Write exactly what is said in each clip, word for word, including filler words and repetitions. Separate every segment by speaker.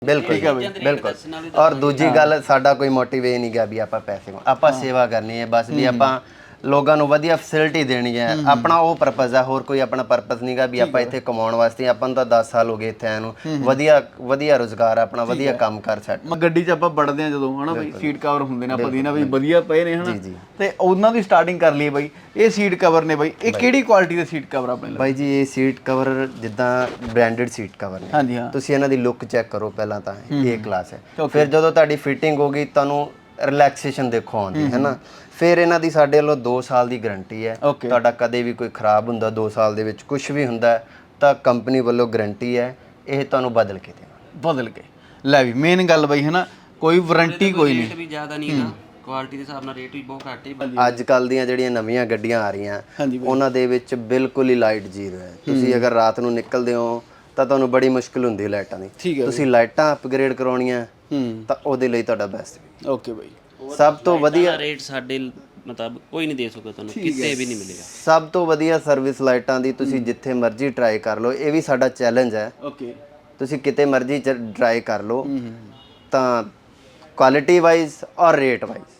Speaker 1: बिल्कुल बिल्कुल। और दूजी गल साडा कोई मोटिव ये नहीं गा भी आपां पैसे आपां सेवा करनी है बस भी आपां लोगों ਨੂੰ ਵਧੀਆ ਫੈਸਿਲਿਟੀ ਦੇਣੀ ਹੈ ਆਪਣਾ ਉਹ ਪਰਪਸ ਹੈ ਹੋਰ ਕੋਈ ਆਪਣਾ ਪਰਪਸ ਨਹੀਂਗਾ ਵੀ ਆਪਾਂ ਇੱਥੇ ਕਮਾਉਣ ਵਾਸਤੇ ਆਪਾਂ ਨੂੰ ਤਾਂ ਦਸ ਸਾਲ ਹੋ ਗਏ ਇੱਥੇ ਆਏ ਨੂੰ ਵਧੀਆ ਵਧੀਆ ਰੋਜ਼ਗਾਰ ਆਪਣਾ ਵਧੀਆ ਕੰਮ ਕਰ ਸਕ
Speaker 2: ਗੱਡੀ 'ਚ ਆਪਾਂ ਵੜਦੇ ਆ ਜਦੋਂ ਹਨਾ ਬਈ ਸੀਟ ਕਵਰ ਹੁੰਦੇ ਨੇ ਆਪਾਂ ਦੀ ਨਾ ਬਈ ਵਧੀਆ ਪਏ ਨੇ ਹਨਾ ਤੇ ਉਹਨਾਂ ਦੀ ਸਟਾਰਟਿੰਗ ਕਰ ਲਈ ਬਈ ਇਹ ਸੀਟ ਕਵਰ ਨੇ ਬਈ ਇਹ ਕਿਹੜੀ ਕੁਆਲਿਟੀ ਦੇ ਸੀਟ ਕਵਰ ਆਪਣੇ ਲਈ
Speaker 1: ਬਾਈ ਜੀ ਇਹ ਸੀਟ ਕਵਰ ਜਿੱਦਾਂ ਬ੍ਰਾਂਡਡ ਸੀਟ ਕਵਰ ਨੇ
Speaker 2: ਹਾਂਜੀ ਹਾਂ
Speaker 1: ਤੁਸੀਂ ਇਹਨਾਂ ਦੀ ਲੁੱਕ ਚੈੱਕ ਕਰੋ ਪਹਿਲਾਂ ਤਾਂ ਇਹ ਕਲਾਸ ਹੈ ਫਿਰ ਜਦੋਂ ਤੁਹਾਡੀ ਫਿਟਿੰਗ ਹੋ ਗਈ ਤੁਹਾਨੂੰ ਰਿਲੈਕਸੇਸ਼ਨ ਦੇਖੋ ਆਉਂਦੀ ਹੈ ਨਾ ਫਿਰ ਇਹਨਾਂ ਦੀ ਸਾਡੇ ਵੱਲੋਂ ਦੋ ਸਾਲ ਦੀ ਗਾਰੰਟੀ ਹੈ ਤੁਹਾਡਾ ਕਦੇ ਵੀ ਕੋਈ ਖਰਾਬ ਹੁੰਦਾ ਦੋ ਸਾਲ ਦੇ ਵਿੱਚ ਕੁਝ ਵੀ ਹੁੰਦਾ ਤਾਂ ਕੰਪਨੀ ਵੱਲੋਂ ਗਾਰੰਟੀ ਹੈ ਇਹ ਤੁਹਾਨੂੰ ਬਦਲ ਕੇ ਦੇਵਾਂਗੇ
Speaker 2: ਬਦਲ ਕੇ ਲੈ ਵੀ ਮੇਨ ਗੱਲ ਬਈ ਹੈ ਨਾ ਕੋਈ ਵਾਰੰਟੀ ਕੋਈ ਨਹੀਂ
Speaker 3: ਰੇਟ ਵੀ ਜ਼ਿਆਦਾ ਨਹੀਂ ਹੈਗਾ ਕੁਆਲਿਟੀ ਦੇ ਹਿਸਾਬ ਨਾਲ ਰੇਟ ਵੀ ਬਹੁਤ ਘੱਟ ਹੈ
Speaker 1: ਅੱਜ ਕੱਲ ਦੀਆਂ ਜਿਹੜੀਆਂ ਨਵੀਆਂ ਗੱਡੀਆਂ ਆ ਰਹੀਆਂ ਉਹਨਾਂ ਦੇ ਵਿੱਚ ਬਿਲਕੁਲ ਹੀ ਲਾਈਟ ਜ਼ੀਰੋ ਹੈ ਤੁਸੀਂ ਅਗਰ ਰਾਤ ਨੂੰ ਨਿਕਲਦੇ ਹੋ ਤਾਂ ਤੁਹਾਨੂੰ ਬੜੀ ਮੁਸ਼ਕਿਲ ਹੁੰਦੀ ਹੈ ਲਾਈਟਾਂ ਦੀ ਤੁਸੀਂ ਲਾਈਟਾਂ ਅਪਗ੍ਰੇਡ ਕਰਾਉਣੀਆਂ ਤਾਂ ਉਹਦੇ ਲਈ ਤੁਹਾਡਾ ਬੈਸਟ
Speaker 2: ਓਕੇ ਬਈ
Speaker 1: ਸਭ ਤੋਂ ਵਧੀਆ
Speaker 3: ਰੇਟ ਸਾਡੇ ਮਤਲਬ ਕੋਈ ਨਹੀਂ ਦੇ ਸਕਦਾ ਤੁਹਾਨੂੰ ਕਿਤੇ ਵੀ ਨਹੀਂ ਮਿਲੇਗਾ
Speaker 1: ਸਭ ਤੋਂ ਵਧੀਆ ਸਰਵਿਸ ਲਾਈਟਾਂ ਦੀ ਤੁਸੀਂ ਜਿੱਥੇ ਮਰਜ਼ੀ ਟਰਾਈ ਕਰ ਲਓ ਇਹ ਵੀ ਸਾਡਾ ਚੈਲੰਜ ਹੈ
Speaker 2: ਓਕੇ
Speaker 1: ਤੁਸੀਂ ਕਿਤੇ ਮਰਜ਼ੀ ਟਰਾਈ ਕਰ ਲਓ ਤਾਂ ਕੁਆਲਿਟੀ ਵਾਈਜ਼ ਔਰ ਰੇਟ ਵਾਈਜ਼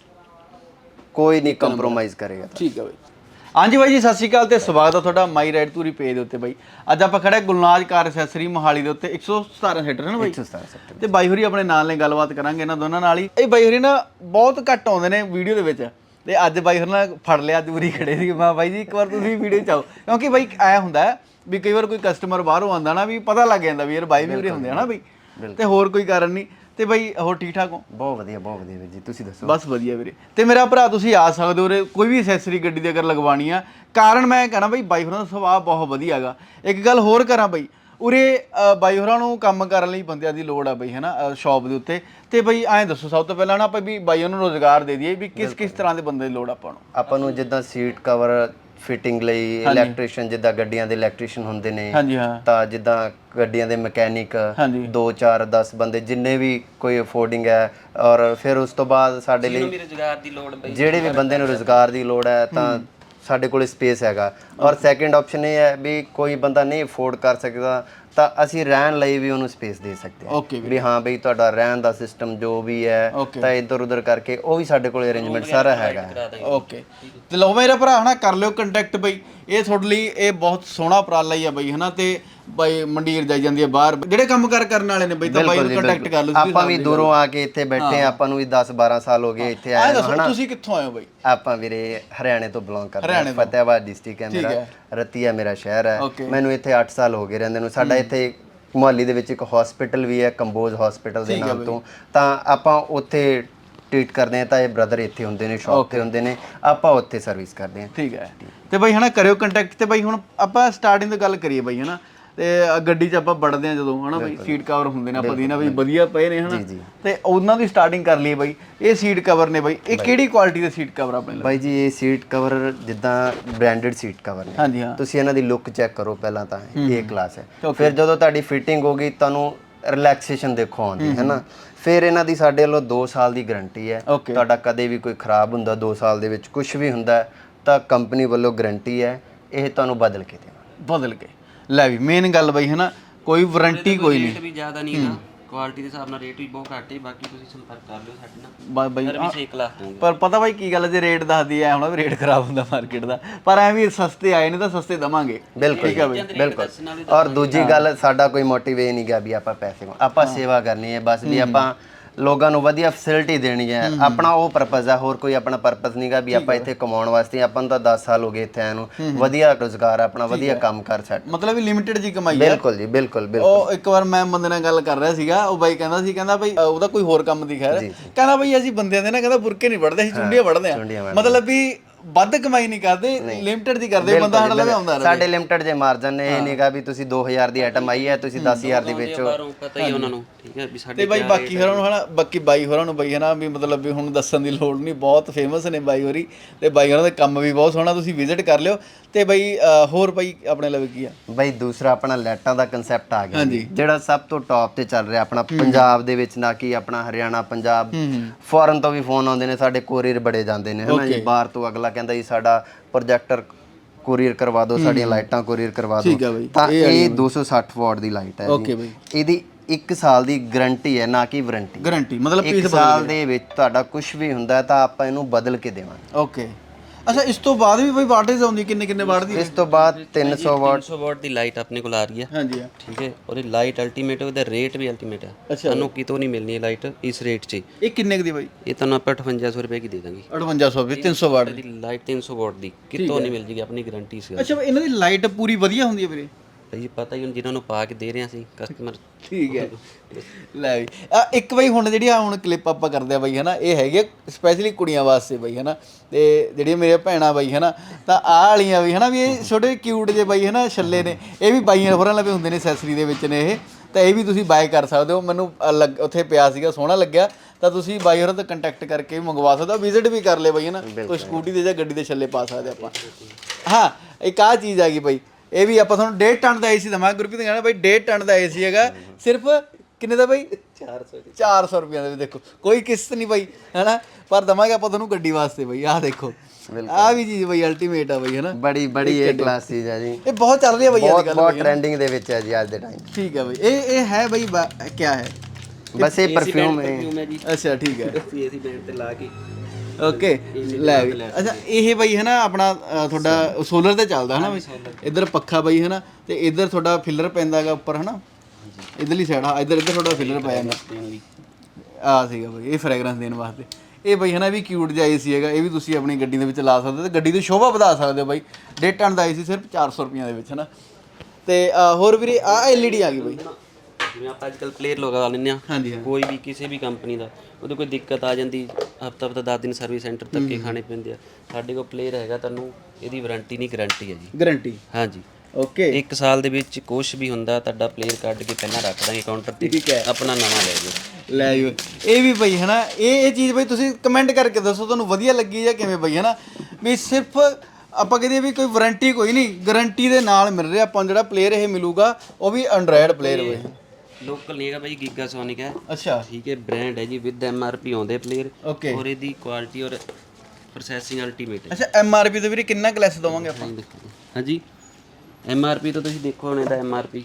Speaker 1: ਕੋਈ ਨਹੀਂ ਕੰਪਰੋਮਾਈਜ਼ ਕਰੇਗਾ
Speaker 2: ਠੀਕ ਹੈ ਬਈ ਹਾਂਜੀ ਬਾਈ ਜੀ ਸਤਿ ਸ਼੍ਰੀ ਅਕਾਲ ਤੇ ਸਵਾਗਤ ਹੈ ਤੁਹਾਡਾ ਮਾਈ ਰਾਈਡ ਟੂਰੀ ਪੇਜ ਦੇ ਉੱਤੇ ਬਾਈ ਅੱਜ ਆਪਾਂ ਖੜੇ ਗੁਲਨਾਜ ਕਾਰ ਐਕਸੈਸਰੀ ਮੋਹਾਲੀ ਦੇ ਉੱਤੇ ਇੱਕ ਸੌ ਸਤਾਰਾਂ ਸੀਟਰ ਹੈ ਨਾ ਬਾਈ
Speaker 1: ਇੱਕ ਸੌ ਸਤਾਰਾਂ ਸੀਟਰ
Speaker 2: ਤੇ ਬਾਈ ਹੋਰੀ ਆਪਣੇ ਨਾਲ ਨੇ ਗੱਲਬਾਤ ਕਰਾਂਗੇ ਇਹਨਾਂ ਦੋਨਾਂ ਨਾਲ ਹੀ ਇਹ ਬਾਈ ਹੋਰੀ ਨਾ ਬਹੁਤ ਘੱਟ ਆਉਂਦੇ ਨੇ ਵੀਡੀਓ ਦੇ ਵਿੱਚ ਤੇ ਅੱਜ ਬਾਈ ਹੋਰੀ ਨਾਲ ਫੜ ਲਿਆ ਅੱਜ ਪੂਰੀ ਖੜੇ ਸੀ ਮੈਂ ਬਾਈ ਜੀ ਇੱਕ ਵਾਰ ਤੁਸੀਂ ਵੀਡੀਓ ਚ ਆਓ ਕਿਉਂਕਿ ਬਾਈ ਆਇਆ ਹੁੰਦਾ ਵੀ ਕਈ ਵਾਰ ਕੋਈ ਕਸਟਮਰ ਬਾਹਰੋਂ ਆਉਂਦਾ ਨਾ ਵੀ ਪਤਾ ਲੱਗ ਜਾਂਦਾ ਵੀ ਯਾਰ ਬਾਈ ਵੀ ਉਰੇ ਹੁੰਦੇ ਆ ਨਾ ਬਈ ਤੇ ਹੋਰ ਕੋਈ ਕਾਰਨ ਨਹੀਂ ਤੇ ਬਾਈ ਹੋਰ ਠੀਕ ਠਾਕ ਹੋ
Speaker 1: ਬਹੁਤ ਵਧੀਆ ਬਹੁਤ ਵਧੀਆ ਵੀਰ ਜੀ ਤੁਸੀਂ ਦੱਸੋ
Speaker 2: ਬਸ ਵਧੀਆ ਵੀਰੇ ਤੇ ਮੇਰਾ ਭਰਾ ਤੁਸੀਂ ਆ ਸਕਦੇ ਹੋ ਉਰੇ ਕੋਈ ਵੀ ਐਕਸੈਸਰੀ ਗੱਡੀ ਦੀ ਅਗਰ ਲਗਵਾਉਣੀ ਆ ਕਾਰਨ ਮੈਂ ਕਹਣਾ ਬਈ ਬਾਈ ਹੋਰਾਂ ਦਾ ਸੁਭਾਅ ਬਹੁਤ ਵਧੀਆ ਹੈਗਾ ਇੱਕ ਗੱਲ ਹੋਰ ਕਰਾਂ ਬਈ ਉਰੇ ਬਾਈ ਹੋਰਾਂ ਨੂੰ ਕੰਮ ਕਰਨ ਲਈ ਬੰਦਿਆਂ ਦੀ ਲੋੜ ਆ ਬਈ ਹੈਨਾ ਸ਼ਾਪ ਦੇ ਉੱਤੇ ਤੇ ਬਈ ਐਂ ਦੱਸੋ ਸਭ ਤੋਂ ਪਹਿਲਾਂ ਨਾ ਆਪਾਂ ਵੀ ਬਾਈ ਉਹਨਾਂ ਨੂੰ ਰੋਜ਼ਗਾਰ ਦੇ ਦਈਏ ਵੀ ਕਿਸ ਕਿਸ ਤਰ੍ਹਾਂ ਦੇ ਬੰਦੇ ਦੀ ਲੋੜ ਆਪਾਂ ਨੂੰ
Speaker 1: ਆਪਾਂ ਨੂੰ ਜਿੱਦਾਂ ਸੀਟ ਕਵਰ ਫਿਟਿੰਗ ਲਈ ਇਲੈਕਟ੍ਰੀਸ਼ੀਅਨ ਜਿੱਦਾਂ ਗੱਡੀਆਂ ਦੇ ਇਲੈਕਟ੍ਰੀਸ਼ੀਅਨ ਹੁੰਦੇ ਨੇ
Speaker 2: ਹਾਂਜੀ ਹਾਂ
Speaker 1: ਤਾਂ ਜਿੱਦਾਂ ਗੱਡੀਆਂ ਦੇ ਮਕੈਨਿਕ ਦੋ ਚਾਰ ਦਸ ਬੰਦੇ ਜਿੰਨੇ ਵੀ ਕੋਈ ਅਫੋਰਡਿੰਗ ਹੈ ਔਰ ਫਿਰ ਉਸ ਤੋਂ ਬਾਅਦ ਸਾਡੇ ਲਈ
Speaker 3: ਰੋਜ਼ਗਾਰ ਦੀ ਲੋੜ ਬਈ
Speaker 1: ਜਿਹੜੇ ਵੀ ਬੰਦੇ ਨੂੰ ਰੋਜ਼ਗਾਰ ਦੀ ਲੋੜ ਹੈ ਤਾਂ ਸਾਡੇ ਕੋਲ ਸਪੇਸ ਹੈਗਾ ਔਰ ਸੈਕੰਡ ਆਪਸ਼ਨ ਇਹ ਹੈ ਵੀ ਕੋਈ ਬੰਦਾ ਨਹੀਂ ਅਫੋਰਡ ਕਰ ਸਕਦਾ ਤਾਂ ਅਸੀਂ ਰਹਿਣ ਲਈ ਵੀ ਉਹਨੂੰ ਸਪੇਸ ਦੇ ਸਕਦੇ ਹਾਂ ਵੀ ਹਾਂ ਬਈ ਤੁਹਾਡਾ ਰਹਿਣ ਦਾ ਸਿਸਟਮ ਜੋ ਵੀ ਹੈ ਤਾਂ ਇੱਧਰ ਉੱਧਰ ਕਰਕੇ ਉਹ ਵੀ ਸਾਡੇ ਕੋਲ ਅਰੇਂਜਮੈਂਟ ਸਾਰਾ ਹੈਗਾ
Speaker 2: ਓਕੇ ਤੇ ਲਓ ਮੇਰਾ ਭਰਾ ਹਨਾ ਕਰ ਲਿਓ ਕੰਟੈਕਟ ਬਈ ਇਹ ਤੁਹਾਡੇ ਲਈ ਇਹ ਬਹੁਤ ਸੋਹਣਾ ਉਪਰਾਲਾ ਹੀ ਆ ਬਈ ਹਨਾ ਤੇ ਬਾਈ ਮੰਡੀਰ ਜਾਈ ਜਾਂਦੀ ਹੈ ਬਾਹਰ ਜਿਹੜੇ ਕੰਮ ਕਰ ਕਰਨ ਵਾਲੇ ਨੇ ਬਈ ਤਾਂ ਬਾਈ ਨੂੰ ਕੰਟੈਕਟ ਕਰ ਲਓ
Speaker 1: ਆਪਾਂ ਵੀ ਦੂਰੋਂ ਆ ਕੇ ਇੱਥੇ ਬੈਠੇ ਆਪਾਂ ਨੂੰ ਵੀ ਦਸ ਬਾਰਾਂ ਸਾਲ ਹੋ ਗਏ ਇੱਥੇ ਆਏ
Speaker 2: ਹਨਾ ਤੁਸੀਂ ਕਿੱਥੋਂ ਆਏ ਹੋ ਬਈ
Speaker 1: ਆਪਾਂ ਵੀਰੇ ਹਰਿਆਣੇ ਤੋਂ ਬਿਲੋਂਗ ਕਰਦੇ ਹਾਂ ਫਤਿਆਬਾਦ ਡਿਸਟ੍ਰਿਕਟ ਹੈ ਮੇਰਾ ਰਤੀਆ ਮੇਰਾ ਸ਼ਹਿਰ ਹੈ ਮੈਨੂੰ ਇੱਥੇ ਅੱਠ ਸਾਲ ਹੋ ਗਏ ਰਹਿੰਦੇ ਨੂੰ ਸਾਡਾ ਇੱਥੇ ਮੁਹਾਲੀ ਦੇ ਵਿੱਚ ਇੱਕ ਹਸਪੀਟਲ ਵੀ ਹੈ ਕੰਬੋਜ ਹਸਪੀਟਲ ਦੇ ਨਾਮ ਤੋਂ ਤਾਂ ਆਪਾਂ ਉੱਥੇ ਟ੍ਰੀਟ ਕਰਦੇ ਹਾਂ ਤਾਂ ਇਹ ਬ੍ਰਦਰ ਇੱਥੇ ਹੁੰਦੇ ਨੇ ਸ਼ਾਪ ਤੇ ਹੁੰਦੇ ਨੇ ਆਪਾਂ ਉੱਥੇ ਸਰਵਿਸ ਕਰਦੇ ਹਾਂ
Speaker 2: ਠੀਕ ਹੈ ਤੇ ਬਾਈ ਹਨਾ ਕਰਿਓ ਕੰਟੈਕਟ ਤੇ ਬਾਈ ਹੁਣ ਆਪਾਂ ਸਟਾਰਟਿੰਗ ਤੋਂ ਗੱਲ ਕਰੀਏ ਬਾਈ ਹਨਾ ਤੇ ਗੱਡੀ 'ਚ ਆਪਾਂ ਵੜਦੇ ਆ ਜਦੋਂ ਹਨਾ ਬਈ ਸੀਟ ਕਵਰ ਹੁੰਦੇ ਨੇ ਆਪਾਂ ਦੀ ਨਾ ਵੀ ਵਧੀਆ ਪਏ ਨੇ ਹਨਾ ਤੇ ਉਹਨਾਂ ਦੀ ਸਟਾਰਟਿੰਗ ਕਰ ਲਈ ਬਾਈ ਇਹ ਸੀਟ ਕਵਰ ਨੇ ਬਾਈ ਇਹ ਕਿਹੜੀ ਕੁਆਲਿਟੀ ਦੇ ਸੀਟ ਕਵਰ ਆਪਣੇ ਲਈ
Speaker 1: ਬਾਈ ਜੀ ਇਹ ਸੀਟ ਕਵਰ ਜਿੱਦਾਂ ਬ੍ਰਾਂਡਡ ਸੀਟ ਕਵਰ ਨੇ
Speaker 2: ਹਾਂਜੀ ਹਾਂ
Speaker 1: ਤੁਸੀਂ ਇਹਨਾਂ ਦੀ ਲੁੱਕ ਚੈੱਕ ਕਰੋ ਪਹਿਲਾਂ ਤਾਂ ਇਹ ਕਲਾਸ ਹੈ ਫਿਰ ਜਦੋਂ ਤੁਹਾਡੀ ਫਿਟਿੰਗ ਹੋ ਗਈ ਤੁਹਾਨੂੰ ਰਿਲੈਕਸੇਸ਼ਨ ਦੇਖੋ ਆਉਂਦੀ ਹੈ ਨਾ ਫਿਰ ਇਹਨਾਂ ਦੀ ਸਾਡੇ ਵੱਲੋਂ ਦੋ ਸਾਲ ਦੀ ਗਾਰੰਟੀ ਹੈ ਤੁਹਾਡਾ ਕਦੇ ਵੀ ਕੋਈ ਖਰਾਬ ਹੁੰਦਾ ਦੋ ਸਾਲ ਦੇ ਵਿੱਚ ਕੁਝ ਵੀ ਹੁੰਦਾ ਤਾਂ ਕੰਪਨੀ ਵੱਲੋਂ ਗਾਰੰਟੀ ਹੈ ਇਹ ਤੁਹਾਨੂੰ ਬਦਲ ਕੇ ਦੇਵਾਂਗੇ
Speaker 2: ਬਦਲ ਕੇ ਲੈ ਵੀ ਮੇਨ ਗੱਲ ਬਈ ਹੈ ਨਾ ਕੋਈ ਵਾਰੰਟੀ ਕੋਈ ਨਹੀਂ
Speaker 3: ਰੇਟ ਵੀ ਜ਼ਿਆਦਾ ਨਹੀਂ ਹੈਗਾ ਕੁਆਲਿਟੀ ਦੇ ਹਿਸਾਬ ਨਾਲ ਰੇਟ ਵੀ ਬਹੁਤ ਘੱਟ ਹੈ ਬਾਕੀ ਤੁਸੀਂ ਸੰਪਰਕ ਕਰ ਲਿਓ ਸਾਡੇ ਨਾਲ
Speaker 2: ਬਾਈ
Speaker 3: ਸਰਵਿਸ ਇੱਕ ਲੱਖ ਦੂੰਗਾ
Speaker 2: ਪਰ ਪਤਾ ਬਾਈ ਕੀ ਗੱਲ ਜੇ ਰੇਟ ਦੱਸਦੀ ਐ ਹੁਣ ਵੀ ਰੇਟ ਖਰਾਬ ਹੁੰਦਾ ਮਾਰਕੀਟ ਦਾ ਪਰ ਐ ਵੀ ਸਸਤੇ ਆਏ ਨੇ ਤਾਂ ਸਸਤੇ ਦਵਾਂਗੇ
Speaker 1: ਬਿਲਕੁਲ ਬਿਲਕੁਲ ਔਰ ਦੂਜੀ ਗੱਲ ਸਾਡਾ ਕੋਈ ਮੋਟਿਵ ਇਹ ਨਹੀਂ ਗਾ ਵੀ ਆਪਾਂ ਪੈਸੇ ਆਪਾਂ ਸੇਵਾ ਕਰਨੀ ਹੈ ਬਸ ਵੀ ਆਪਾਂ ਲੋਕਾਂ ਨੂੰ ਵਧੀਆ ਫੈਸਿਲਿਟੀ ਦੇਣੀ ਹੈ ਆਪਣਾ ਉਹ ਪਰਪਸ ਹੈ ਹੋਰ ਕੋਈ ਆਪਣਾ ਪਰਪਸ ਨਹੀਂਗਾ ਵੀ ਆਪਾਂ ਇੱਥੇ ਕਮਾਉਣ ਵਾਸਤੇ ਆਪਾਂ ਨੂੰ ਤਾਂ ਦਸ ਸਾਲ ਹੋ ਗਏ ਇੱਥੇ ਆਏ ਨੂੰ ਵਧੀਆ ਰੋਜ਼ਗਾਰ ਆਪਣਾ ਵਧੀਆ ਕੰਮ ਕਰ ਸਕ
Speaker 2: ਮਤਲਬ ਵੀ ਲਿਮਿਟਡ ਜੀ ਕਮਾਈ ਹੈ
Speaker 1: ਬਿਲਕੁਲ ਜੀ ਬਿਲਕੁਲ ਬਿਲਕੁਲ
Speaker 2: ਉਹ ਇੱਕ ਵਾਰ ਮੈਂ ਬੰਦੇ ਨਾਲ ਗੱਲ ਕਰ ਰਿਹਾ ਸੀਗਾ ਉਹ ਬਾਈ ਕਹਿੰਦਾ ਸੀ ਕਹਿੰਦਾ ਬਈ ਉਹਦਾ ਕੋਈ ਹੋਰ ਕੰਮ ਦੀ ਖੈਰ ਕਹਿੰਦਾ ਬਈ ਅਸੀਂ ਬੰਦਿਆਂ ਦੇ ਨਾ ਕਹਿੰਦਾ ਬੁਰਕੇ ਨਹੀਂ ਵੜਦੇ ਅਸੀਂ ਚੁੰਡੀਆਂ ਵੜਦੇ ਆ ਮਤਲਬ ਵੀ ਵੱਧ ਕਮਾਈ ਨਹੀਂ ਕਰਦੇ ਲਿਮਿਟਡ ਦੀ ਕਰਦੇ ਬੰਦਾ ਸਾਡਾ ਲਵੇ ਆਉਂਦਾ ਰਹੇ
Speaker 1: ਸਾਡੇ ਲਿਮਿਟਡ ਜੇ ਮਾਰਜਨ ਨੇ ਇਹ ਨਹੀਂਗਾ ਵੀ ਤੁਸੀਂ ਦੋ ਹਜ਼ਾਰ ਦੀ ਆਈਟਮ ਆਈ ਹੈ ਤੁਸੀਂ ਦਸ ਹਜ਼ਾਰ ਦੀ ਵੇਚੋ
Speaker 3: ਪਤਾ ਹੀ ਉਹਨਾਂ ਨੂੰ ਠੀਕ ਹੈ ਵੀ ਸਾਡੇ
Speaker 2: ਤੇ ਬਾਈ ਬਾਕੀ ਹੋਰਾਂ ਨੂੰ ਹਨਾ ਬਾਕੀ ਬਾਈ ਹੋਰਾਂ ਨੂੰ ਬਈ ਹਨਾ ਵੀ ਮਤਲਬ ਵੀ ਹੁਣ ਦੱਸਣ ਦੀ ਲੋੜ ਨਹੀਂ ਬਹੁਤ ਫੇਮਸ ਨੇ ਬਾਈ ਹੋਰੀ ਤੇ ਬਾਈ ਹੋਰਾਂ ਦਾ ਕੰਮ ਵੀ ਬਹੁਤ ਸੋਹਣਾ ਤੁਸੀਂ ਵਿਜ਼ਿਟ ਕਰ ਲਿਓ ਤੇ ਬਈ ਹੋਰ ਬਾਈ ਆਪਣੇ ਲਵੇ ਕੀ ਆ
Speaker 1: ਬਾਈ ਦੂਸਰਾ ਆਪਣਾ ਲੈਟਾਂ ਦਾ ਕਨਸੈਪਟ ਆ ਗਿਆ ਜਿਹੜਾ ਸਭ ਤੋਂ ਟੌਪ ਤੇ ਚੱਲ ਰਿਹਾ ਆਪਣਾ ਪੰਜਾਬ ਦੇ ਵਿੱਚ ਨਾ ਕਿ ਆਪਣਾ ਹਰਿਆਣਾ ਪੰਜਾਬ ਫੋਰਨ ਤੋਂ ਵੀ ਫੋਨ ਆਉਂਦੇ ਨੇ ਸਾਡੇ ਕੋਰੀਅਰ ਬੜੇ ਜਾਂਦੇ ਨੇ ਹਨਾ ਜੀ ਬਾਹਰ ਤੋਂ ਅਗਲਾ ਕਹਿੰਦਾ ਜੀ ਸਾਡਾ ਪ੍ਰੋਜੈਕਟਰ ਕੋਰੀਅਰ ਕਰਵਾ ਦਿਓ ਸਾਡੀਆਂ ਲਾਈਟਾਂ ਕੋਰੀਅਰ ਕਰਵਾ ਦਿਓ ਤਾਂ ਇਹ ਦੋ ਸੌ ਸੱਠ ਵਾਟ ਦੀ ਲਾਈਟ ਹੈ ਜੀ ਇਹਦੀ ਇੱਕ ਸਾਲ ਦੀ ਗਾਰੰਟੀ ਹੈ, ਨਾ ਕਿ ਵਾਰੰਟੀ।
Speaker 2: ਗਾਰੰਟੀ ਮਤਲਬ
Speaker 1: ਇੱਕ ਸਾਲ ਦੇ ਵਿੱਚ ਤੁਹਾਡਾ ਕੁਝ ਵੀ ਹੁੰਦਾ ਹੈ ਤਾਂ ਆਪਾਂ ਇਹਨੂੰ ਬਦਲ ਕੇ ਦੇਵਾਂਗੇ।
Speaker 2: ਓਕੇ, ਅੱਛਾ ਇਸ ਤੋਂ ਬਾਅਦ ਵੀ ਬਈ ਵਾਟੇਜ ਆਉਂਦੀ ਕਿੰਨੇ ਕਿੰਨੇ ਵਾਟ ਦੀ?
Speaker 1: ਇਸ ਤੋਂ ਬਾਅਦ ਤਿੰਨ ਸੌ ਵਾਟ
Speaker 3: ਤਿੰਨ ਸੌ ਵਾਟ ਦੀ ਲਾਈਟ ਆਪਣੇ ਕੋਲ ਆ ਰਹੀ ਹੈ।
Speaker 2: ਹਾਂਜੀ
Speaker 3: ਠੀਕ ਹੈ, ਉਹਦੀ ਲਾਈਟ ਅਲਟੀਮੇਟ, ਉਹਦਾ ਰੇਟ ਵੀ ਅਲਟੀਮੇਟ ਹੈ। ਤੁਹਾਨੂੰ ਕਿਤੋਂ ਨਹੀਂ ਮਿਲਣੀ ਇਹ ਲਾਈਟ ਇਸ ਰੇਟ 'ਚ।
Speaker 2: ਇਹ ਕਿੰਨੇ ਕੁ ਦੀ ਬਾਈ?
Speaker 3: ਇਹ ਤੁਹਾਨੂੰ ਆਪਾਂ ਅਠਵੰਜਾ ਸੌ ਰੁਪਏ ਦੀ ਦੇ ਦਾਂਗੇ।
Speaker 2: ਅਠਵੰਜਾ ਸੌ ਰੁਪਏ ਤਿੰਨ ਸੌ ਵਾਟ ਦੀ
Speaker 3: ਇਹਦੀ ਲਾਈਟ ਤਿੰਨ ਸੌ ਵਾਟ ਦੀ ਕਿਤੋਂ ਨਹੀਂ ਮਿਲ ਜੇਗੀ, ਆਪਣੀ ਗਾਰੰਟੀ ਸੀ।
Speaker 2: ਅੱਛਾ ਇਹਨਾਂ ਦੀ ਲਾਈਟ ਪੂਰੀ ਵਧੀਆ ਹੁੰਦੀ ਹੈ ਵੀਰੇ?
Speaker 3: ਭਾਈ ਪਤਾ ਹੀ ਹੁਣ ਜਿਨ੍ਹਾਂ ਨੂੰ ਪਾ ਕੇ ਦੇ ਰਹੇ ਸੀ ਕਸਟਮਰ।
Speaker 2: ਠੀਕ ਹੈ, ਲੈ ਵੀ ਆ ਇੱਕ ਬਈ ਹੁਣ ਜਿਹੜੀ ਆ ਹੁਣ ਕਲਿੱਪ ਆਪਾਂ ਕਰਦੇ ਆ ਬਈ ਹਨਾ, ਇਹ ਹੈਗੀ ਸਪੈਸ਼ਲੀ ਕੁੜੀਆਂ ਵਾਸਤੇ ਬਈ ਹਨਾ, ਤੇ ਜਿਹੜੀਆਂ ਮੇਰੀਆਂ ਭੈਣਾਂ ਬਈ ਹਨਾ, ਤਾਂ ਆਹ ਵਾਲੀਆਂ ਵੀ ਹਨਾ ਵੀ ਇਹ ਛੋਟੇ ਕਿਊਟ ਜੇ ਬਈ ਹਨਾ ਛੱਲੇ ਨੇ, ਇਹ ਵੀ ਬਾਈਆਂ ਹੋਰਾਂ ਲਵੇ ਹੁੰਦੇ ਨੇ ਐਕਸੈਸਰੀ ਦੇ ਵਿੱਚ ਨੇ ਇਹ, ਤਾਂ ਇਹ ਵੀ ਤੁਸੀਂ ਬਾਏ ਕਰ ਸਕਦੇ ਹੋ। ਮੈਨੂੰ ਲੱਗ ਉੱਥੇ ਪਿਆ ਸੀਗਾ, ਸੋਹਣਾ ਲੱਗਿਆ, ਤਾਂ ਤੁਸੀਂ ਬਾਈ ਹੋਰਾਂ ਤੋਂ ਕੰਟੈਕਟ ਕਰਕੇ ਵੀ ਮੰਗਵਾ ਸਕਦੇ ਹੋ, ਵਿਜ਼ਿਟ ਵੀ ਕਰ ਲੈ ਬਈ ਹਨਾ, ਕੋਈ ਸਕੂਟੀ ਦੇ ਜਾਂ ਗੱਡੀ ਦੇ ਛੱਲੇ ਪਾ ਸਕਦੇ ਆਪਾਂ। ਹਾਂ ਇੱਕ ਆਹ ਚੀਜ਼ ਆ ਗਈ ਬਈ, ਇਹ ਵੀ ਆਪਾਂ ਤੁਹਾਨੂੰ ਡੇਢ ਟਨ ਦਾ ਏਸੀ ਦਵਾਂਗੇ। ਗੁਰਪ੍ਰੀਤ ਨੇ ਕਹਿਣਾ ਬਾਈ ਡੇਢ ਟਨ ਦਾ ਏਸੀ ਹੈਗਾ, ਸਿਰਫ ਕਿੰਨੇ ਦਾ ਬਾਈ? ਚਾਰ ਸੌ ਚਾਰ ਸੌ ਰੁਪਈਆ ਦਾ। ਦੇਖੋ ਕੋਈ ਕਿਸ਼ਤ ਨਹੀਂ ਬਾਈ ਹੈਨਾ, ਪਰ ਦਵਾਂਗੇ ਆਪਾਂ ਤੁਹਾਨੂੰ ਗੱਡੀ ਵਾਸਤੇ ਬਾਈ। ਆਹ ਦੇਖੋ ਆਹ ਵੀ ਚੀਜ਼ ਬਾਈ ਅਲਟੀਮੇਟ ਆ ਬਾਈ ਹੈਨਾ,
Speaker 1: ਬੜੀ ਬੜੀ ਇਹ ਕਲਾਸ ਚੀਜ਼ ਹੈ ਜੀ,
Speaker 2: ਇਹ ਬਹੁਤ ਚੱਲ ਰਹੀ ਹੈ ਬਾਈ ਅੱਜ ਕੱਲ੍ਹ,
Speaker 1: ਬਹੁਤ ਟ੍ਰੈਂਡਿੰਗ ਦੇ ਵਿੱਚ ਹੈ ਜੀ ਅੱਜ ਦੇ ਟਾਈਮ।
Speaker 2: ਠੀਕ ਹੈ ਬਾਈ, ਇਹ ਇਹ ਹੈ ਬਾਈ ਕੀ ਹੈ?
Speaker 1: ਬਸ ਇਹ ਪਰਫਿਊਮ ਹੈ।
Speaker 2: ਅੱਛਾ ਠੀਕ ਹੈ,
Speaker 3: ਏਸੀ ਬੈਂਡ ਤੇ ਲਾ ਕੇ।
Speaker 2: ਓਕੇ ਲੈ ਵੀ ਅੱਛਾ ਇਹ ਬਈ ਹੈ ਨਾ ਆਪਣਾ ਤੁਹਾਡਾ ਸੋਲਰ ਤੇ ਚੱਲਦਾ ਹੈ ਨਾ ਬਈ, ਇੱਧਰ ਪੱਖਾ ਬਈ ਹੈ ਨਾ, ਤੇ ਇੱਧਰ ਤੁਹਾਡਾ ਫਿਲਰ ਪੈਂਦਾ ਹੈਗਾ ਉੱਪਰ ਹੈ ਨਾ, ਇੱਧਰਲੀ ਸਾਈਡ ਆ, ਇੱਧਰ ਇੱਧਰ ਤੁਹਾਡਾ ਫਿਲਰ ਪਾਇਆ ਜਾਂਦਾ ਆ ਸੀਗਾ ਬਈ, ਇਹ ਫ੍ਰੈਗਰੈਂਸ ਦੇਣ ਵਾਸਤੇ। ਇਹ ਬਈ ਹੈ ਨਾ ਵੀ ਕਿਊਟ ਜਿਹਾ ਏਸੀ ਹੈਗਾ, ਇਹ ਵੀ ਤੁਸੀਂ ਆਪਣੀ ਗੱਡੀ ਦੇ ਵਿੱਚ ਲਾ ਸਕਦੇ ਹੋ ਤੇ ਗੱਡੀ ਦੀ ਸ਼ੋਭਾ ਵਧਾ ਸਕਦੇ ਹੋ ਬਾਈ। ਡੇਢ ਟਨ ਦਾ ਏਸੀ ਸਿਰਫ ਚਾਰ ਸੌ ਰੁਪਈਆਂ ਦੇ ਵਿੱਚ ਹੈ ਨਾ। ਤੇ ਹੋਰ ਵੀਰੇ ਆ ਐਲ ਈ ਡੀ ਆ ਗਈ ਬਾਈ,
Speaker 3: ਜਿਵੇਂ ਆਪਾਂ ਅੱਜ ਕੱਲ੍ਹ ਪਲੇਅਰ ਲਗਾ ਲੈਂਦੇ ਹਾਂ,
Speaker 2: ਹਾਂਜੀ
Speaker 3: ਕੋਈ ਵੀ ਕਿਸੇ ਵੀ ਕੰਪਨੀ ਦਾ, ਉਹਦੇ ਕੋਈ ਦਿੱਕਤ ਆ ਜਾਂਦੀ, ਹਫ਼ਤਾ ਹਫ਼ਤਾ ਦਸ ਦਿਨ ਸਰਵਿਸ ਸੈਂਟਰ ਧੱਕੇ ਖਾਣੇ ਪੈਂਦੇ ਆ। ਸਾਡੇ ਕੋਲ ਪਲੇਅਰ ਹੈਗਾ, ਤੁਹਾਨੂੰ ਇਹਦੀ ਵਾਰੰਟੀ ਨਹੀਂ ਗਾਰੰਟੀ ਹੈ ਜੀ। ਗਾਰੰਟੀ? ਹਾਂਜੀ। ਓਕੇ, ਇੱਕ ਸਾਲ ਦੇ ਵਿੱਚ ਕੁਛ ਵੀ ਹੁੰਦਾ ਤੁਹਾਡਾ ਪਲੇਅਰ ਕੱਢ ਕੇ ਪਹਿਲਾਂ ਰੱਖ ਦਾਂਗੇ ਕਾਊਂਟਰ ਤੇ, ਆਪਣਾ ਨਵਾਂ ਲੈ ਜਾਓ।
Speaker 2: ਲੈ ਜਾਓ ਇਹ ਵੀ ਬਈ ਹੈ ਨਾ, ਇਹ ਇਹ ਚੀਜ਼ ਬਈ ਤੁਸੀਂ ਕਮੈਂਟ ਕਰਕੇ ਦੱਸੋ ਤੁਹਾਨੂੰ ਵਧੀਆ ਲੱਗੀ ਜਾਂ ਕਿਵੇਂ ਬਈ ਹੈ ਨਾ, ਵੀ ਸਿਰਫ ਆਪਾਂ ਕਹਿੰਦੇ ਵੀ ਕੋਈ ਵਾਰੰਟੀ ਕੋਈ ਨਹੀਂ, ਗਾਰੰਟੀ ਦੇ ਨਾਲ ਮਿਲ ਰਿਹਾ ਆਪਾਂ ਜਿਹੜਾ ਪਲੇਅਰ ਇਹ ਮਿਲੂਗਾ, ਉਹ ਵੀ ਐਂਡਰਾਇਡ ਪਲੇਅਰ ਬਈ,
Speaker 3: ਲੋਕਲ ਨਹੀਂ ਹੈਗਾ ਭਾਈ, ਗੀਗਾ ਸੋਨਿਕ ਹੈ।
Speaker 2: ਅੱਛਾ
Speaker 3: ਠੀਕ ਹੈ, ਬ੍ਰਾਂਡ ਹੈ ਜੀ, ਵਿਦ ਐਮ ਆਰ ਪੀ ਆਉਂਦੇ ਪਲੇਅਰ।
Speaker 2: ਓਕੇ,
Speaker 3: ਔਰ ਇਹਦੀ ਕੁਆਲਿਟੀ ਔਰ ਪ੍ਰੋਸੈਸਿੰਗ ਅਲਟੀਮੇਟ ਹੈ।
Speaker 2: ਅੱਛਾ ਐਮ ਆਰ ਪੀ ਤੇ ਵੀਰੇ ਕਿੰਨਾ ਕਲੈਸ ਦਵਾਂਗੇ ਆਪਾਂ?
Speaker 3: ਹਾਂਜੀ ਐਮ ਆਰ ਪੀ ਤੋਂ ਤੁਸੀਂ ਦੇਖੋ ਹੁਣ ਇਹਦਾ ਐਮ ਆਰ ਪੀ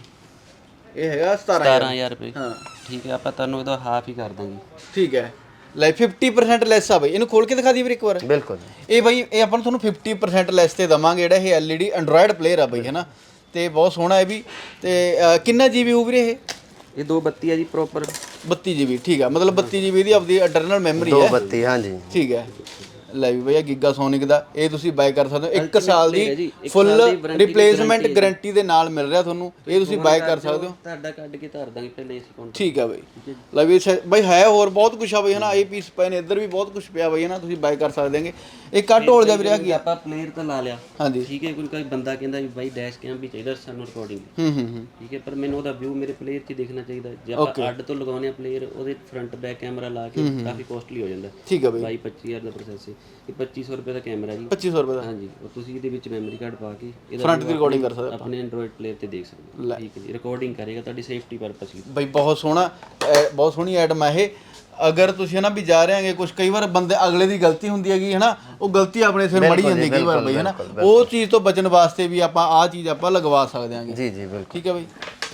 Speaker 2: ਇਹ ਹੈਗਾ
Speaker 3: ਸਤਾਰਾਂ ਹਜ਼ਾਰ ਰੁਪਏ।
Speaker 2: ਹਾਂ
Speaker 3: ਠੀਕ ਹੈ, ਆਪਾਂ ਤੁਹਾਨੂੰ ਇਹਦਾ ਹਾਫ ਹੀ ਕਰ ਦਾਂਗੇ।
Speaker 2: ਠੀਕ ਹੈ, ਲੈ ਫਿਫਟੀ ਪਰਸੈਂਟ ਲੈਸ ਆ ਬਈ, ਇਹਨੂੰ ਖੋਲ ਕੇ ਦਿਖਾ ਦੀ ਵੀਰੇ ਇੱਕ ਵਾਰ।
Speaker 1: ਬਿਲਕੁਲ,
Speaker 2: ਇਹ ਬਈ ਇਹ ਆਪਾਂ ਨੂੰ ਤੁਹਾਨੂੰ ਫਿਫਟੀ ਪਰਸੈਂਟ ਲੈਸ ਤੇ ਦਵਾਂਗੇ, ਜਿਹੜਾ ਇਹ L E D android player ਆ ਬਈ ਹੈ ਨਾ, ਤੇ ਬਹੁਤ ਸੋਹਣਾ ਹੈ ਵੀ। ਤੇ ਕਿੰਨਾ ਜੀਬੀ ਹੋਊ ਵੀਰੇ ਇਹ?
Speaker 3: ਇਹ ਦੋ ਬੱਤੀ ਹੈ ਜੀ ਪ੍ਰੋਪਰ,
Speaker 2: ਬੱਤੀ ਜੀਬੀ। ਠੀਕ ਹੈ, ਮਤਲਬ ਬੱਤੀ ਜੀਬੀ ਦੀ ਆਪਦੀ ਇੰਟਰਨਲ ਮੈਮਰੀ ਹੈ।
Speaker 1: ਦੋ ਬੱਤੀ, ਹਾਂਜੀ
Speaker 2: ਠੀਕ ਹੈ। ਲੈ ਵੀ ਭਈਆ ਗੀਗਾ ਸੋਨਿਕ ਦਾ ਇਹ ਤੁਸੀਂ ਬਾਏ ਕਰ ਸਕਦੇ ਹੋ, ਇੱਕ ਸਾਲ ਦੀ ਫੁੱਲ ਰਿਪਲੇਸਮੈਂਟ ਗਾਰੰਟੀ ਦੇ ਨਾਲ ਮਿਲ ਰਿਹਾ ਤੁਹਾਨੂੰ, ਇਹ ਤੁਸੀਂ ਬਾਏ ਕਰ ਸਕਦੇ ਹੋ।
Speaker 3: ਤੁਹਾਡਾ ਕੱਢ ਕੇ ਧਰ ਦਾਂਗੇ ਪਹਿਲੇ ਏਸੀ ਕਾਊਂਟਰ।
Speaker 2: ਠੀਕ ਹੈ ਬਈ, ਲੈ ਵੀ ਬਈ ਹੈ ਹੋਰ ਬਹੁਤ ਕੁਛ ਆ ਬਈ ਹੈ ਨਾ, ਇਹ ਪੀਸ ਪਏ ਨੇ, ਇੱਧਰ ਵੀ ਬਹੁਤ ਕੁਛ ਪਿਆ ਬਈ ਹੈ ਨਾ, ਤੁਸੀਂ ਬਾਏ ਕਰ ਸਕਦੇ ਹੈਗੇ। ਇਹ ਕੱਟ ਹੋਲ ਜਾ ਵੀਰੇ ਆ ਕੀ
Speaker 3: ਆਪਾਂ ਪਲੇਅਰ ਤਾਂ ਲਾ ਲਿਆ,
Speaker 2: ਹਾਂਜੀ
Speaker 3: ਠੀਕ ਹੈ। ਕੋਈ ਕੋਈ ਬੰਦਾ ਕਹਿੰਦਾ ਵੀ ਬਾਈ ਡੈਸ਼ ਕੈਮ ਵੀ ਚਾਹੀਦਾ ਸਾਨੂੰ ਰਿਕਾਰਡਿੰਗ,
Speaker 2: ਹੂੰ ਹੂੰ ਹੂੰ
Speaker 3: ਠੀਕ ਹੈ, ਪਰ ਮੈਨੂੰ ਉਹਦਾ ਵਿਊ ਮੇਰੇ ਪਲੇਅਰ 'ਚ ਦੇਖਣਾ ਚਾਹੀਦਾ। ਜੇ ਆਪਾਂ ਅੱਡ ਤੋਂ ਲਗਾਉਂਦੇ ਆ ਪਲੇਅਰ, ਉਹਦੇ ਫਰੰਟ ਬੈਕ ਕੈਮਰਾ ਲਾ ਕੇ ਕਾਫੀ ਕੋਸਟਲੀ ਹੋ ਜਾਂਦਾ।
Speaker 2: ਠੀਕ ਹੈ ਬਈ,
Speaker 3: ਬਾਈ ਪੱਚੀ ਹਜ਼ਾਰ ਦਾ ਪ੍ਰੋਸੈਸ ਹੈ, ਇਹ ਪੱਚੀ ਸੌ ਰੁਪਏ ਦਾ ਕੈਮਰਾ ਜੀ,
Speaker 2: ਪੱਚੀ ਸੌ ਰੁਪਏ ਦਾ।
Speaker 3: ਹਾਂਜੀ, ਉਹ ਤੁਸੀਂ ਇਹਦੇ ਵਿੱਚ ਮੈਮਰੀ ਕਾਰਡ ਪਾ ਕੇ ਇਹਦਾ
Speaker 2: ਫਰੰਟ ਦੀ ਰਿਕਾਰਡਿੰਗ ਕਰ ਸਕਦੇ
Speaker 3: ਆਪਣੇ ਐਂਡਰੋਇਡ ਪਲੇਅਰ ਤੇ ਦੇਖ ਸਕਦੇ ਹੋ। ਠੀਕ ਹੈ ਜੀ, ਰਿਕਾਰਡਿੰਗ ਕਰੇਗਾ ਤੁਹਾਡੀ ਸੇਫਟੀ ਪਰਪਸ ਲਈ।
Speaker 2: ਬਈ ਬਹੁਤ ਸੋਹਣਾ, ਬਹੁਤ ਸੋਹਣੀ ਐਟਮ ਹੈ ਇਹ। ਅਗਰ ਤੁਸੀਂ ਨਾ ਵੀ ਜਾ ਰਹੇ ਹੈਗੇ, ਕੁਝ ਕਈ ਵਾਰ ਬੰਦੇ ਅਗਲੇ ਦੀ ਗਲਤੀ ਹੁੰਦੀ ਹੈਗੀ ਹੈ ਨਾ, ਉਹ ਗਲਤੀ ਆਪਣੇ ਸਿਰ ਮੜੀ ਜਾਂਦੀ ਕਈ ਵਾਰ ਬਈ ਹੈ ਨਾ, ਉਹ ਚੀਜ਼ ਤੋਂ ਬਚਣ ਵਾਸਤੇ ਵੀ ਆਪਾਂ ਆਹ ਚੀਜ਼ ਆਪਾਂ ਲਗਵਾ ਸਕਦੇ ਹਾਂਗੇ।
Speaker 1: ਜੀ ਜੀ ਬਿਲਕੁਲ।
Speaker 2: ਠੀਕ ਹੈ ਬਈ,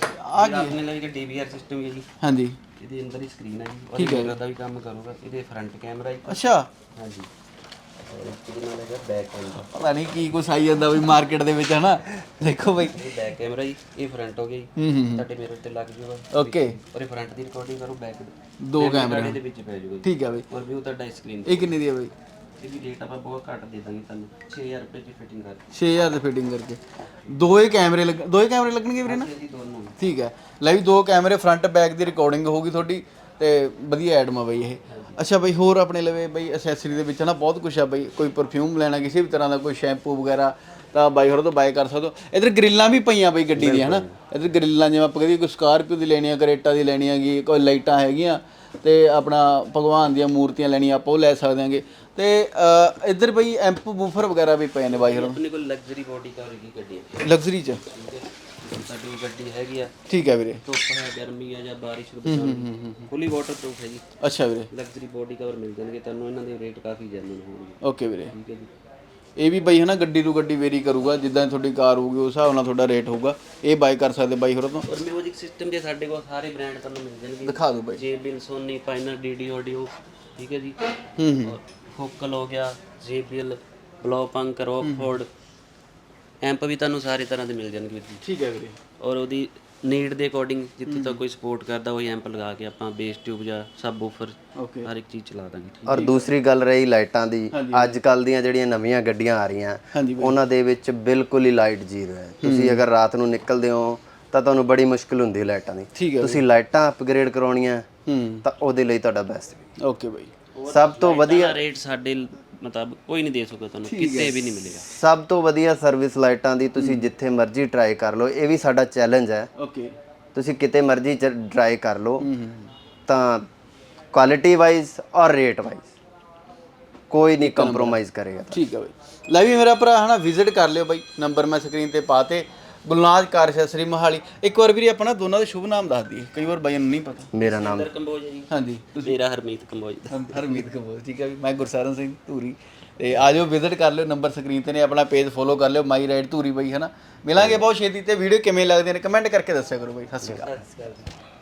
Speaker 2: ਆ ਕੀ
Speaker 3: ਆਪਣੇ ਲਈ ਡੀ ਵੀ ਆਰ ਸਿਸਟਮ ਹੈ ਜੀ।
Speaker 2: ਹਾਂਜੀ,
Speaker 3: ਇਹਦੇ ਅੰਦਰ ਹੀ ਸਕਰੀਨ ਹੈ ਜੀ, ਉਹਦੇ ਮਿਰਰ ਦਾ ਵੀ ਕੰਮ ਕਰੂਗਾ। ਇਹਦੇ ਫਰੰਟ ਕੈਮਰਾ ਹੈ।
Speaker 2: ਅੱਛਾ,
Speaker 3: ਹਾਂਜੀ, ਇਹਦੇ ਨਾਲ ਹੈਗਾ ਬੈਕ ਕੈਮਰਾ।
Speaker 2: ਪਤਾ ਨਹੀਂ ਕੀ ਕੁਛ ਆਈ ਜਾਂਦਾ ਬਈ ਮਾਰਕੀਟ ਦੇ ਵਿੱਚ ਹੈ ਨਾ। ਦੇਖੋ ਬਈ,
Speaker 3: ਇਹ ਬੈਕ ਕੈਮਰਾ ਜੀ, ਇਹ ਫਰੰਟ ਹੋ ਗਿਆ ਜੀ,
Speaker 2: ਹੂੰ ਹੂੰ
Speaker 3: ਤੁਹਾਡੇ ਮਿਰਰ ਤੇ ਲੱਗ ਜਾਊਗਾ।
Speaker 2: ਓਕੇ,
Speaker 3: ਔਰ ਫਰੰਟ ਦੀ ਰਿਕਾਰਡਿੰਗ ਕਰੂ, ਬੈਕ
Speaker 2: ਦੋ ਕੈਮਰੇ
Speaker 3: ਦੇ ਵਿੱਚ ਪੈ ਜਾਊਗਾ।
Speaker 2: ਠੀਕ ਹੈ ਬਈ,
Speaker 3: ਔਰ ਵਿਊ ਤੁਹਾਡਾ ਸਕਰੀਨ।
Speaker 2: ਇਹ ਕਿੰਨੀ ਦੀ ਹੈ ਬਈ?
Speaker 3: ਇਹਦੀ ਰੇਟ ਆਪਾਂ ਬਹੁਤ ਘੱਟ ਦੇ ਦਾਂਗੇ ਤੁਹਾਨੂੰ, ਛੇ ਹਜ਼ਾਰ ਰੁਪਏ ਦੀ ਫਿਟਿੰਗ ਕਰ
Speaker 2: ਛੇ ਹਜ਼ਾਰ ਦੀ ਫਿਟਿੰਗ ਕਰਕੇ। ਦੋਏ ਕੈਮਰੇ ਲੱਗ ਦੋਏ ਕੈਮਰੇ ਲੱਗਣਗੇ ਵੀਰੇ ਨਾ?
Speaker 3: ਜੀ ਦੋਨੋਂ।
Speaker 2: ਠੀਕ ਹੈ, ਲੈ ਵੀ ਦੋ ਕੈਮਰੇ ਫਰੰਟ ਬੈਕ ਦੀ ਰਿਕਾਰਡਿੰਗ ਹੋਊਗੀ ਤੁਹਾਡੀ, ਤੇ ਵਧੀਆ ਐਡਮ ਆ ਬਈ ਇਹ। ਅੱਛਾ ਬਈ, ਹੋਰ ਆਪਣੇ ਲਵੇ ਬਈ ਐਸੈਸਰੀ ਦੇ ਵਿੱਚ ਨਾ ਬਹੁਤ ਕੁਛ ਆ ਬਈ, ਕੋਈ ਪਰਫਿਊਮ ਲੈਣਾ ਕਿਸੇ ਵੀ ਤਰ੍ਹਾਂ ਦਾ, ਕੋਈ ਸ਼ੈਂਪੂ ਵਗੈਰਾ, ਤਾਂ ਬਾਈ ਹੋਰਾਂ ਤੋਂ ਬਾਏ ਕਰ ਸਕਦੇ ਹੋ। ਇੱਧਰ ਗ੍ਰਿਲਾਂ ਵੀ ਪਈਆਂ ਬਈ ਗੱਡੀ ਦੀਆਂ ਹੈ ਨਾ, ਇੱਧਰ ਗ੍ਰਿਲਾਂ ਜਿਵੇਂ ਆਪਾਂ ਕਹਦੇ ਕੋਈ ਸਕਾਰਪੀਓ ਦੀ ਲੈਣੀ ਆ, ਕਰੇਟਾ ਦੀ ਲੈਣੀ ਹੈਗੀ, ਕੋਈ ਲਾਈਟਾਂ ਹੈਗੀਆਂ, ਤੇ ਆਪਣਾ ਭਗਵਾਨ ਦੀਆਂ ਮੂਰਤੀਆਂ ਲੈਣੀਆਂ ਆਪਾਂ ਉਹ ਲੈ ਸਕਦੇ ਹਾਂਗੇ। ਤੇ ਇੱਧਰ ਬਈ ਐਂਪ ਬੂਫਰ ਵਗੈਰਾ ਵੀ ਪਏ ਨੇ ਬਾਈ ਹੋਰਾਂ।
Speaker 3: ਆਪਣੇ ਕੋਲ ਲਗਜ਼ਰੀ ਬੋਡੀ ਕਵਰ ਦੀ ਗੱਡੀ ਹੈ,
Speaker 2: ਲਗਜ਼ਰੀ ਚ।
Speaker 3: ਠੀਕ ਹੈ, ਸਾਡੀ ਗੱਡੀ ਹੈਗੀ ਆ।
Speaker 2: ਠੀਕ ਹੈ ਵੀਰੇ,
Speaker 3: ਧੁੱਪ ਹੈ, ਗਰਮੀ ਹੈ ਜਾਂ ਬਾਰਿਸ਼ ਨੂੰ ਫੁੱਲੀ ਵਾਟਰਪ੍ਰੂਫ ਹੈ ਜੀ।
Speaker 2: ਅੱਛਾ ਵੀਰੇ,
Speaker 3: ਲਗਜ਼ਰੀ ਬੋਡੀ ਕਵਰ ਮਿਲ ਜਾਣਗੇ ਤੁਹਾਨੂੰ, ਇਹਨਾਂ ਦੇ ਰੇਟ ਕਾਫੀ ਜੈਨੂਇਨ ਹੋਣਗੇ।
Speaker 2: ਓਕੇ ਵੀਰੇ,
Speaker 3: ਠੀਕ ਹੈ ਜੀ।
Speaker 2: ਇਹ ਵੀ ਬਾਈ ਹਨਾ ਗੱਡੀ ਤੋਂ ਗੱਡੀ ਵੇਰੀ ਕਰੂਗਾ, ਜਿੱਦਾਂ ਤੁਹਾਡੀ ਕਾਰ ਹੋਊਗੀ ਉਸ ਹਿਸਾਬ ਨਾਲ ਤੁਹਾਡਾ ਰੇਟ ਹੋਊਗਾ। ਇਹ ਬਾਈ ਕਰ ਸਕਦੇ ਬਾਈ ਹੋਰਾਂ ਤੋਂ।
Speaker 3: ਔਰ ਮਿਊਜ਼ਿਕ ਸਿਸਟਮ ਦੇ ਸਾਡੇ ਕੋਲ ਸਾਰੇ ਬ੍ਰਾਂਡ ਤੁਹਾਨੂੰ ਮਿਲ ਜਾਣਗੇ।
Speaker 2: ਦਿਖਾ ਦਿਓ ਬਾਈ।
Speaker 3: JBL, Sony, Pioneer, DD audio, ਠੀਕ ਹੈ ਜੀ।
Speaker 2: ਹੂੰ ਹੂੰ
Speaker 3: ਫੋਕਲ ਹੋ ਗਿਆ, ਜੇਬੀਐਲ, ਬਲੌਪੰਕ, ਰੌਕਫੋਰਡ ਐਂਪ ਵੀ ਤੁਹਾਨੂੰ ਸਾਰੇ ਤਰ੍ਹਾਂ ਦੇ ਮਿਲ ਜਾਣਗੇ ਜੀ।
Speaker 2: ਠੀਕ ਹੈ ਵੀਰੇ।
Speaker 3: ਔਰ ਉਹਦੀ ਨੀਡ ਦੇ ਅਕੋਰਡਿੰਗ ਜਿੱਥੇ ਤੱਕ ਕੋਈ ਸਪੋਰਟ ਕਰਦਾ ਉਹੀ ਐਂਪ ਲਗਾ ਕੇ ਆਪਾਂ ਬੇਸ ਟਿਊਬ ਜਾਂ ਸਬ ਵੂਫਰ
Speaker 2: ਓਕੇ
Speaker 3: ਹਰ ਇੱਕ ਚੀਜ਼ ਚਲਾ ਦਾਂਗੇ।
Speaker 1: ਔਰ ਦੂਸਰੀ ਗੱਲ ਰਹੀ ਲਾਈਟਾਂ ਦੀ, ਅੱਜ ਕੱਲ ਦੀਆਂ ਜਿਹੜੀਆਂ ਨਵੀਆਂ ਗੱਡੀਆਂ ਆ ਰਹੀਆਂ ਉਹਨਾਂ ਦੇ ਵਿੱਚ ਬਿਲਕੁਲ ਹੀ ਲਾਈਟ ਜ਼ੀਰੋ ਹੈ। ਤੁਸੀਂ ਅਗਰ ਰਾਤ ਨੂੰ ਨਿਕਲਦੇ ਹੋ ਤਾਂ ਤੁਹਾਨੂੰ ਬੜੀ ਮੁਸ਼ਕਿਲ ਹੁੰਦੀ ਹੈ ਲਾਈਟਾਂ ਦੀ। ਤੁਸੀਂ ਲਾਈਟਾਂ ਅਪਗ੍ਰੇਡ ਕਰਾਉਣੀਆਂ ਤਾਂ ਉਹਦੇ ਲਈ ਤੁਹਾਡਾ ਬੈਸਟ।
Speaker 2: ਓਕੇ ਬਾਈ।
Speaker 1: ਸਭ ਤੋਂ ਵਧੀਆ
Speaker 3: ਰੇਟ ਸਾਡੇ ਮਤਲਬ ਕੋਈ ਨਹੀਂ ਦੇ ਸਕਦਾ ਤੁਹਾਨੂੰ, ਕਿਤੇ ਵੀ ਨਹੀਂ ਮਿਲੇਗਾ।
Speaker 1: ਸਭ ਤੋਂ ਵਧੀਆ ਸਰਵਿਸ ਲਾਈਟਾਂ ਦੀ ਤੁਸੀਂ ਜਿੱਥੇ ਮਰਜ਼ੀ ਟਰਾਈ ਕਰ ਲਓ। ਇਹ ਵੀ ਸਾਡਾ ਚੈਲੰਜ ਹੈ।
Speaker 2: ਓਕੇ
Speaker 1: ਤੁਸੀਂ ਕਿਤੇ ਮਰਜ਼ੀ ਟਰਾਈ ਕਰ ਲਓ ਤਾਂ ਕੁਆਲਿਟੀ ਵਾਈਜ਼ ਔਰ ਰੇਟ ਵਾਈਜ਼ ਕੋਈ ਨਹੀਂ ਕੰਪਰੋਮਾਈਜ਼ ਕਰੇਗਾ।
Speaker 2: ਠੀਕ ਹੈ ਬਾਈ। ਲੈ ਵੀ ਮੇਰਾ ਭਰਾ ਹਨਾ ਵਿਜ਼ਿਟ ਕਰ ਲਿਓ ਬਾਈ, ਨੰਬਰ ਮੈਂ ਸਕਰੀਨ ਤੇ ਪਾਤੇ। Gulnaz car accessory Mohali. ਇੱਕ ਵਾਰ ਵੀਰੇ ਆਪਣਾ ਦੋਨਾਂ ਦਾ ਸ਼ੁਭ ਨਾਮ ਦੱਸ ਦਈਏ, ਕਈ ਵਾਰ ਬਾਈਆਂ ਨੂੰ ਨਹੀਂ ਪਤਾ।
Speaker 1: ਮੇਰਾ ਨਾਮ
Speaker 3: ਕੰਬੋਜ ਹੈ ਜੀ।
Speaker 2: ਹਾਂਜੀ।
Speaker 3: ਮੇਰਾ ਹਰਮੀਤ ਕੰਬੋਜ ਦਾ।
Speaker 2: ਹਰਮੀਤ ਕੰਬੋਜ। ਠੀਕ ਹੈ ਵੀ ਮੈਂ ਗੁਰਸਰਨ ਸਿੰਘ ਧੂਰੀ। ਤੇ ਆ ਜਾਓ ਵਿਜ਼ਿਟ ਕਰ ਲਿਓ, ਨੰਬਰ ਸਕਰੀਨ ਤੇ ਨੇ, ਆਪਣਾ ਪੇਜ ਫੋਲੋ ਕਰ ਲਿਓ ਮਾਈ ਰਾਈਡ ਧੂਰੀ ਬਾਈ ਹਨਾ। ਮਿਲਾਂਗੇ ਬਹੁਤ ਛੇਤੀ ਤੇ ਵੀਡੀਓ ਕਿਵੇਂ ਲੱਗਦੇ ਨੇ ਕਮੈਂਟ ਕਰਕੇ ਦੱਸਿਆ ਕਰੋ ਬਾਈ। ਸਤਿ ਸ਼੍ਰੀ ਅਕਾਲ।